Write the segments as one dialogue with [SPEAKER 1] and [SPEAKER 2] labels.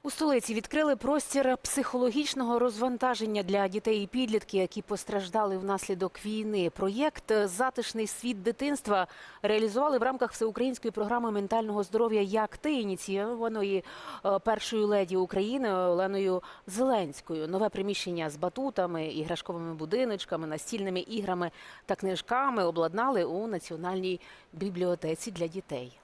[SPEAKER 1] У столиці відкрили простір психологічного розвантаження для дітей і підлітків, які постраждали внаслідок війни. Проєкт «Затишний світ дитинства» реалізували в рамках всеукраїнської програми ментального здоров'я «Як ти», ініційованої першою леді України Оленою Зеленською. Нове приміщення з батутами, іграшковими будиночками, настільними іграми та книжками обладнали у Національній бібліотеці для дітей.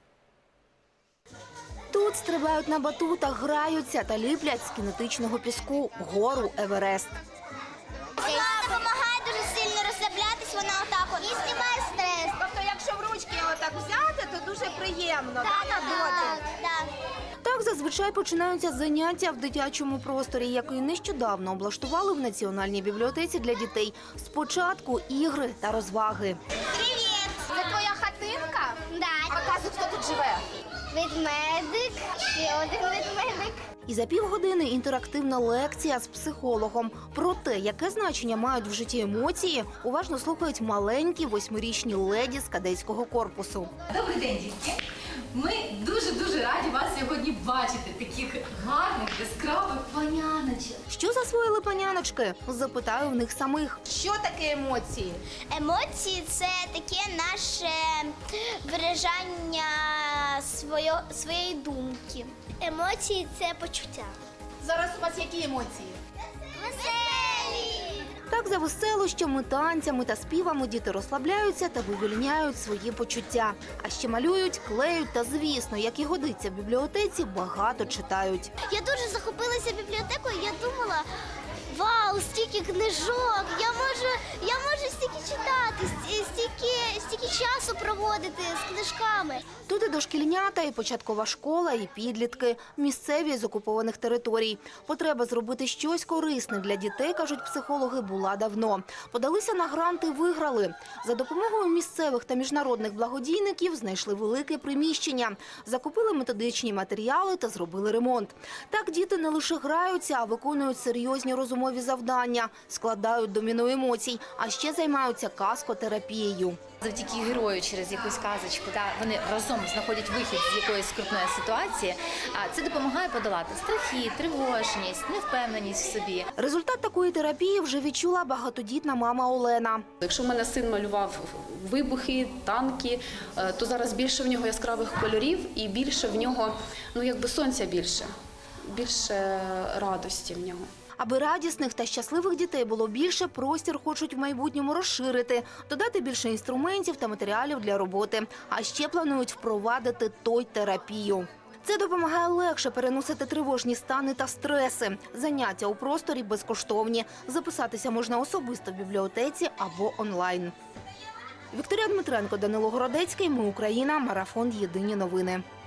[SPEAKER 2] Тут стрибають на батутах, граються та ліплять з кінетичного піску гору Еверест.
[SPEAKER 3] Вона допомагає дуже сильно розслаблятись, вона отак от. І знімає стрес.
[SPEAKER 4] Тобто, якщо в ручки отак взяти, то дуже приємно, на дотик?
[SPEAKER 3] Так.
[SPEAKER 2] Так зазвичай починаються заняття в дитячому просторі, який нещодавно облаштували в Національній бібліотеці для дітей. Спочатку ігри та розваги.
[SPEAKER 3] Привіт!
[SPEAKER 4] Це твоя хатинка?
[SPEAKER 3] Да.
[SPEAKER 4] Показуй, хто тут живе.
[SPEAKER 3] Ведмедик, ще один ведмедик.
[SPEAKER 2] І за півгодини інтерактивна лекція з психологом. Про те, яке значення мають в житті емоції, уважно слухають маленькі 8-річні леді з кадетського корпусу.
[SPEAKER 5] Добрий день, дітки! Ми дуже-дуже раді вас сьогодні бачити, таких гарних, яскравих паняночок.
[SPEAKER 2] Що засвоїли паняночки? Запитаю в них самих.
[SPEAKER 4] Що таке емоції?
[SPEAKER 3] Емоції – це таке наше виражання своєї думки. Емоції – це почуття.
[SPEAKER 4] Зараз у вас які емоції?
[SPEAKER 3] Веселі!
[SPEAKER 2] Так за веселощами, танцями та співами діти розслабляються та вивільняють свої почуття. А ще малюють, клеють та, звісно, як і годиться в бібліотеці, багато читають.
[SPEAKER 3] Я дуже захопилася бібліотекою, я думала, вау, стільки книжок, я можу стільки читати, стільки часу проводити з книжками.
[SPEAKER 2] Тут і дошкільнята, і початкова школа, і підлітки, місцеві з окупованих територій. Потреба зробити щось корисне для дітей, кажуть психологи, була давно. Подалися на гранти, виграли. За допомогою місцевих та міжнародних благодійників знайшли велике приміщення, закупили методичні матеріали та зробили ремонт. Так діти не лише граються, а виконують серйозні розумові завдання, складають доміно емоцій, а ще займаються казкотерапією.
[SPEAKER 6] Завдяки герою через якусь казочку, вони разом знаходять вихід з якоїсь скрутної ситуації, а це допомагає подолати страхи, тривожність, невпевненість в собі.
[SPEAKER 2] Результат такої терапії вже відчула багатодітна мама Олена.
[SPEAKER 7] Якщо в мене син малював вибухи, танки, то зараз більше в нього яскравих кольорів і більше в нього, сонця більше радості в нього.
[SPEAKER 2] Аби радісних та щасливих дітей було більше, простір хочуть в майбутньому розширити, додати більше інструментів та матеріалів для роботи. А ще планують впровадити той-терапію. Це допомагає легше переносити тривожні стани та стреси. Заняття у просторі безкоштовні. Записатися можна особисто в бібліотеці або онлайн. Вікторія Дмитренко, Данило Городецький. Ми Україна. Марафон. Єдині новини.